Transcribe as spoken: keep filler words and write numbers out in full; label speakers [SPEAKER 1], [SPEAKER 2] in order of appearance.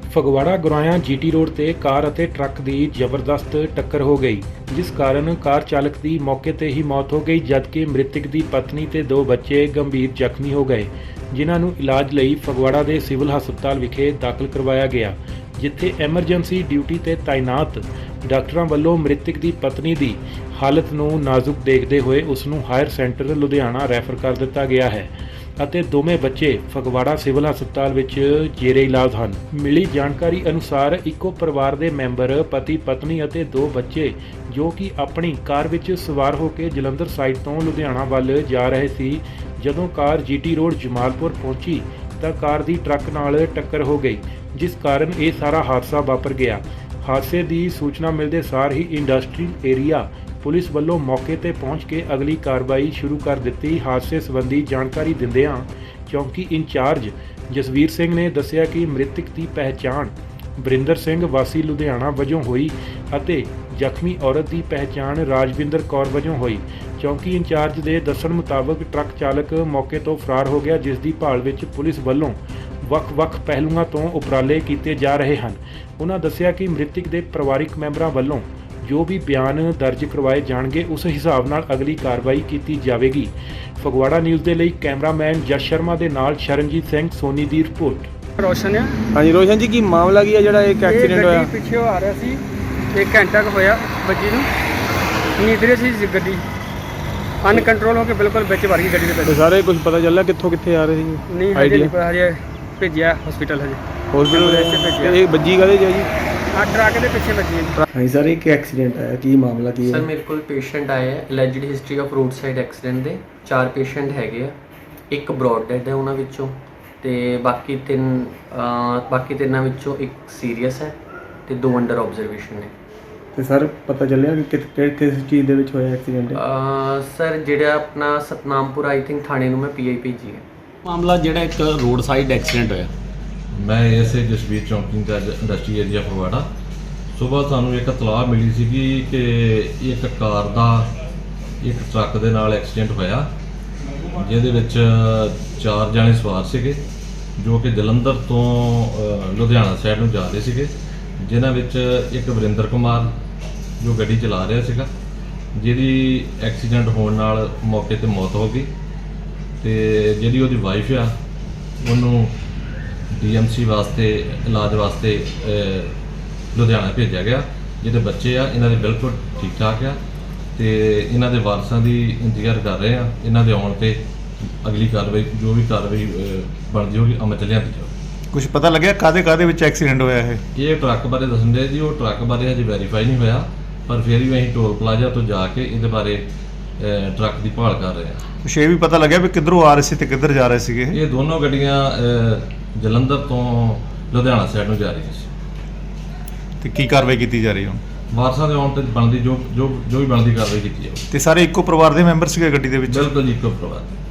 [SPEAKER 1] ਫਗਵਾੜਾ ਗੁਰਾਇਆ GT road ਤੇ ਕਾਰ ਅਤੇ truck ਦੀ ਜ਼ਬਰਦਸਤ ਟੱਕਰ ਹੋ ਗਈ, ਜਿਸ ਕਾਰਨ ਕਾਰ ਚਾਲਕ ਦੀ ਮੌਕੇ ਤੇ ਹੀ ਮੌਤ ਹੋ ਗਈ, ਜਦਕਿ ਮ੍ਰਿਤਕ ਦੀ ਪਤਨੀ ਤੇ ਦੋ ਬੱਚੇ ਗੰਭੀਰ ਜ਼ਖਮੀ ਹੋ ਗਏ, ਜਿਨ੍ਹਾਂ ਨੂੰ ਇਲਾਜ ਲਈ ਫਗਵਾੜਾ ਦੇ ਸਿਵਲ ਹਸਪਤਾਲ ਵਿਖੇ ਦਾਖਲ ਕਰਵਾਇਆ ਗਿਆ, ਜਿੱਥੇ ਐਮਰਜੈਂਸੀ ਡਿਊਟੀ ਤੇ ਤਾਇਨਾਤ ਡਾਕਟਰਾਂ ਵੱਲੋਂ ਮ੍ਰਿਤਕ ਦੀ ਪਤਨੀ ਦੀ ਹਾਲਤ ਨੂੰ ਨਾਜ਼ੁਕ ਦੇਖਦੇ ਹੋਏ ਉਸ ਨੂੰ ਹਾਇਰ ਸੈਂਟਰ ਲੁਧਿਆਣਾ ਰੈਫਰ ਕਰ ਦਿੱਤਾ ਗਿਆ ਹੈ ਅਤੇ ਦੋਵੇਂ ਬੱਚੇ ਫਗਵਾੜਾ ਸਿਵਲ ਹਸਪਤਾਲ ਵਿੱਚ ਜੇਰੇ ਇਲਾਜ ਹਨ। ਮਿਲੀ ਜਾਣਕਾਰੀ ਅਨੁਸਾਰ ਇੱਕੋ ਪਰਿਵਾਰ ਦੇ ਮੈਂਬਰ ਪਤੀ ਪਤਨੀ ਅਤੇ ਦੋ ਬੱਚੇ ਜੋ ਕਿ ਆਪਣੀ ਕਾਰ ਵਿੱਚ ਸਵਾਰ ਹੋ ਕੇ ਜਲੰਧਰ ਸਾਈਡ ਤੋਂ ਲੁਧਿਆਣਾ ਵੱਲ ਜਾ ਰਹੇ ਸੀ, ਜਦੋਂ ਕਾਰ ਜੀਟੀ ਰੋਡ ਜਮਾਲਪੁਰ ਪਹੁੰਚੀ ਤਾਂ ਕਾਰ ਦੀ ਟਰੱਕ ਨਾਲ ਟੱਕਰ ਹੋ ਗਈ, ਜਿਸ ਕਾਰਨ ਇਹ ਸਾਰਾ ਹਾਦਸਾ ਵਾਪਰ ਗਿਆ। ਹਾਦਸੇ ਦੀ ਸੂਚਨਾ ਮਿਲਦੇ ਸਾਰ ਹੀ ਇੰਡਸਟਰੀਅਲ ਏਰੀਆ ਪੁਲਿਸ ਵੱਲੋਂ ਮੌਕੇ ਤੇ ਪਹੁੰਚ ਕੇ ਅਗਲੀ ਕਾਰਵਾਈ ਸ਼ੁਰੂ ਕਰ ਦਿੱਤੀ। ਹਾਦਸੇ ਸੰਬੰਧੀ ਜਾਣਕਾਰੀ ਦਿੰਦਿਆਂ ਚੌਂਕੀ ਇੰਚਾਰਜ ਜਸਵੀਰ ਸਿੰਘ ਨੇ ਦੱਸਿਆ ਕਿ ਮ੍ਰਿਤਕ ਦੀ ਪਹਿਚਾਣ ਵਰਿੰਦਰ ਸਿੰਘ ਵਾਸੀ ਲੁਧਿਆਣਾ ਵਜੋਂ ਹੋਈ ਅਤੇ ਜ਼ਖਮੀ ਔਰਤ ਦੀ ਪਹਿਚਾਣ ਰਾਜਵਿੰਦਰ ਕੌਰ ਵਜੋਂ ਹੋਈ। ਚੌਂਕੀ ਇੰਚਾਰਜ ਦੇ ਦੱਸਣ ਮੁਤਾਬਕ ਟਰੱਕ ਚਾਲਕ ਮੌਕੇ ਤੋਂ ਫਰਾਰ ਹੋ ਗਿਆ, ਜਿਸ ਦੀ ਭਾਲ ਵਿੱਚ ਪੁਲਿਸ ਵੱਲੋਂ ਵੱਖ-ਵੱਖ ਪਹਿਲੂਆਂ ਤੋਂ ਉਪਰਾਲੇ ਕੀਤੇ ਜਾ ਰਹੇ ਹਨ। ਉਹਨਾਂ ਦੱਸਿਆ ਕਿ ਮ੍ਰਿਤਕ ਦੇ ਪਰਿਵਾਰਕ ਮੈਂਬਰਾਂ ਵੱਲੋਂ ਜੋ ਵੀ ਬਿਆਨ ਦਰਜ ਕਰਵਾਏ ਜਾਣਗੇ, ਉਸ ਹਿਸਾਬ ਨਾਲ ਅਗਲੀ ਕਾਰਵਾਈ ਕੀਤੀ ਜਾਵੇਗੀ। ਫਗਵਾੜਾ ਨਿਊਜ਼ ਦੇ ਲਈ ਕੈਮਰਾਮੈਨ ਜਸ ਸ਼ਰਮਾ ਦੇ ਨਾਲ ਸ਼ਰਨਜੀਤ ਸਿੰਘ ਸੋਨੀ ਦੀ ਰਿਪੋਰਟ।
[SPEAKER 2] ਰੋਸ਼ਨ ਆ।
[SPEAKER 3] ਹਾਂਜੀ ਰੋਸ਼ਨ ਜੀ, ਕੀ ਮਾਮਲਾ ਕੀ ਹੈ ਜਿਹੜਾ ਇੱਕ ਐਕਸੀਡੈਂਟ ਹੋਇਆ?
[SPEAKER 2] ਗੱਡੀ ਪਿੱਛੇ ਆ ਰਿਹਾ ਸੀ, ਇੱਕ ਘੰਟਾ ਕੁ ਹੋਇਆ ਬੱਜੀ ਨੂੰ, ਨੀਂਦਰੇ ਸੀ ਗੱਡੀ, ਅਨਕੰਟਰੋਲ ਹੋ ਕੇ ਬਿਲਕੁਲ ਵਿੱਚ ਵੜ ਗਈ ਗੱਡੀ ਦੇ ਵਿੱਚ।
[SPEAKER 3] ਸਾਰੇ ਕੁਝ ਪਤਾ ਚੱਲਿਆ ਕਿੱਥੋਂ ਕਿੱਥੇ ਆ ਰਹੇ ਸੀ?
[SPEAKER 2] ਨਹੀਂ ਹਜੇ ਨਹੀਂ ਪਤਾ, ਹਜੇ ਭੇਜਿਆ ਹਸਪੀਟਲ ਹਜੇ
[SPEAKER 3] ਹਸਪੀਟਲ। ਇਹ ਬੱਜੀ ਕਾਹਦੇ ਜੀ?
[SPEAKER 2] ਆ ਟਰੱਕ ਦੇ ਪਿੱਛੇ ਵੱਜੀ ਹੈ।
[SPEAKER 3] ਹਾਂਜੀ ਸਰ, ਇੱਕ ਐਕਸੀਡੈਂਟ ਆਇਆ, ਕੀ ਮਾਮਲਾ ਕੀ
[SPEAKER 4] ਸਰ
[SPEAKER 3] ਹੈ?
[SPEAKER 4] ਮੇਰੇ ਕੋਲ ਪੇਸ਼ੈਂਟ ਆਏ ਹੈ alleged history of road side accident ਦੇ। ਚਾਰ ਪੇਸ਼ੈਂਟ ਹੈਗੇ ਆ, ਇੱਕ ਬ੍ਰੌਡ ਡੈਡ ਹੈ ਉਹਨਾਂ ਵਿੱਚੋਂ, ਤੇ ਬਾਕੀ ਤਿੰਨ ਅਹ ਬਾਕੀ ਤਿੰਨਾਂ ਵਿੱਚੋਂ ਇੱਕ ਸੀਰੀਅਸ ਹੈ ਤੇ ਦੋ ਅੰਡਰ ਆਬਜ਼ਰਵੇਸ਼ਨ ਨੇ।
[SPEAKER 3] ਤੇ ਸਰ ਪਤਾ ਚੱਲਿਆ ਕਿ ਕਿਸ ਕਿਸ- ਕਿਸ ਚੀਜ਼ ਦੇ ਵਿੱਚ ਹੋਇਆ ਐਕਸੀਡੈਂਟ?
[SPEAKER 4] ਅਹ ਸਰ ਜਿਹੜਾ ਆਪਣਾ ਸਤਨਾਮਪੁਰ ਆਈ ਥਿੰਕ ਥਾਣੇ ਨੂੰ ਮੈਂ ਪੀ ਆਈ ਭੇਜੀ ਹੈ।
[SPEAKER 5] ਮਾਮਲਾ ਜਿਹੜਾ ਇੱਕ ਰੋਡ ਸਾਈਡ ਐਕਸੀਡੈਂਟ ਹੋਇਆ।
[SPEAKER 6] ਮੈਂ ਐਸੇ ਜਸਵੀਰ ਚੌਂਕੀ ਦਾ ਇੰਡਸਟਰੀ ਏਰੀਆ ਫਗਵਾੜਾ। ਸੁਬਾਹ ਸਾਨੂੰ ਇੱਕ ਇਤਲਾਹ ਮਿਲੀ ਸੀਗੀ ਕਿ ਇੱਕ ਕਾਰ ਦਾ ਇੱਕ ਟਰੱਕ ਦੇ ਨਾਲ ਐਕਸੀਡੈਂਟ ਹੋਇਆ, ਜਿਹਦੇ ਵਿੱਚ ਚਾਰ ਜਣੇ ਸਵਾਰ ਸੀਗੇ ਜੋ ਕਿ ਜਲੰਧਰ ਤੋਂ ਅ, ਲੁਧਿਆਣਾ ਸਾਈਡ ਨੂੰ ਜਾ ਰਹੇ ਸੀਗੇ, ਜਿਨ੍ਹਾਂ ਵਿੱਚ ਇੱਕ ਵਰਿੰਦਰ ਕੁਮਾਰ ਜੋ ਗੱਡੀ ਚਲਾ ਰਿਹਾ ਸੀਗਾ, ਜਿਹਦੀ ਐਕਸੀਡੈਂਟ ਹੋਣ ਨਾਲ ਮੌਕੇ ਤੇ ਮੌਤ ਹੋ ਗਈ, ਤੇ ਜਿਹੜੀ ਉਹਦੀ ਵਾਈਫ ਆ ਉਹਨੂੰ ਡੀ ਐਮ ਸੀ ਵਾਸਤੇ ਇਲਾਜ ਵਾਸਤੇ ਅ, ਲੁਧਿਆਣਾ ਭੇਜਿਆ ਗਿਆ। ਜਿਹਦੇ ਬੱਚੇ ਆ ਇਹਨਾਂ ਦੇ ਬਿਲਕੁਲ ਠੀਕ ਠਾਕ ਆ, ਤੇ ਇਹਨਾਂ ਦੇ ਵਾਰਸਾਂ ਦੀ ਇੰਤਜ਼ਾਰ ਕਰ ਰਹੇ ਆ। ਇਹਨਾਂ ਦੇ ਆਉਣ ਤੇ ਅਗਲੀ ਕਾਰਵਾਈ ਜੋ ਵੀ ਕਾਰਵਾਈ ਅ, ਬਣਦੀ ਹੋਗੀ ਅਮਲ ਚ ਲਿਆਂਦੀ ਜਾਊਗੀ।
[SPEAKER 7] ਕੁਝ ਪਤਾ ਲੱਗਿਆ ਕਾਦੇ ਕਾਦੇ ਵਿੱਚ ਐਕਸੀਡੈਂਟ ਹੋਇਆ ਇਹ?
[SPEAKER 6] ਇਹ ਟਰੱਕ ਬਾਰੇ ਦੱਸਣ ਦੇ ਜੀ, ਉਹ ਟਰੱਕ ਬਾਰੇ ਹਜੇ ਵੈਰੀਫਾਈ ਨਹੀਂ ਹੋਇਆ, ਪਰ ਫਿਰ ਵੀ ਅਸੀਂ ਟੋਲ ਪਲਾਜ਼ਾ ਤੋਂ ਜਾ ਕੇ ਇਹਦੇ ਬਾਰੇ ਅ, ਟਰੱਕ ਦੀ ਭਾਲ ਕਰ ਰਹੇ ਹਾਂ।
[SPEAKER 7] ਕੁਛ ਇਹ ਵੀ ਪਤਾ ਲੱਗਿਆ ਵੀ ਕਿੱਧਰੋਂ ਆ ਰਹੇ ਸੀ ਤੇ ਕਿੱਧਰ ਜਾ ਰਹੇ ਸੀਗੇ ਇਹ?
[SPEAKER 6] ਇਹ ਦੋਨੋਂ ਗੱਡੀਆਂ ਅ, ਜਲੰਧਰ ਤੋਂ ਲੁਧਿਆਣਾ ਸਾਈਡ ਨੂੰ ਜਾ ਰਹੀਆਂ ਸੀ।
[SPEAKER 7] ਤੇ ਕੀ ਕਾਰਵਾਈ ਕੀਤੀ ਜਾ ਰਹੀ ਹੁਣ?
[SPEAKER 6] ਵਾਰਸਾਂ ਦੇ ਆਉਣ ਤੇ ਬਣਦੀ ਜੋ ਜੋ ਜੋ ਵੀ ਬਣਦੀ ਕਾਰਵਾਈ ਕੀਤੀ ਜਾਊਗੀ।
[SPEAKER 7] ਤੇ ਸਾਰੇ ਇੱਕੋ ਪਰਿਵਾਰ ਦੇ ਮੈਂਬਰ ਸੀਗੇ ਗੱਡੀ ਦੇ ਵਿੱਚ?
[SPEAKER 6] ਬਿਲਕੁਲ ਜੀ, ਇੱਕੋ ਪਰਿਵਾਰ।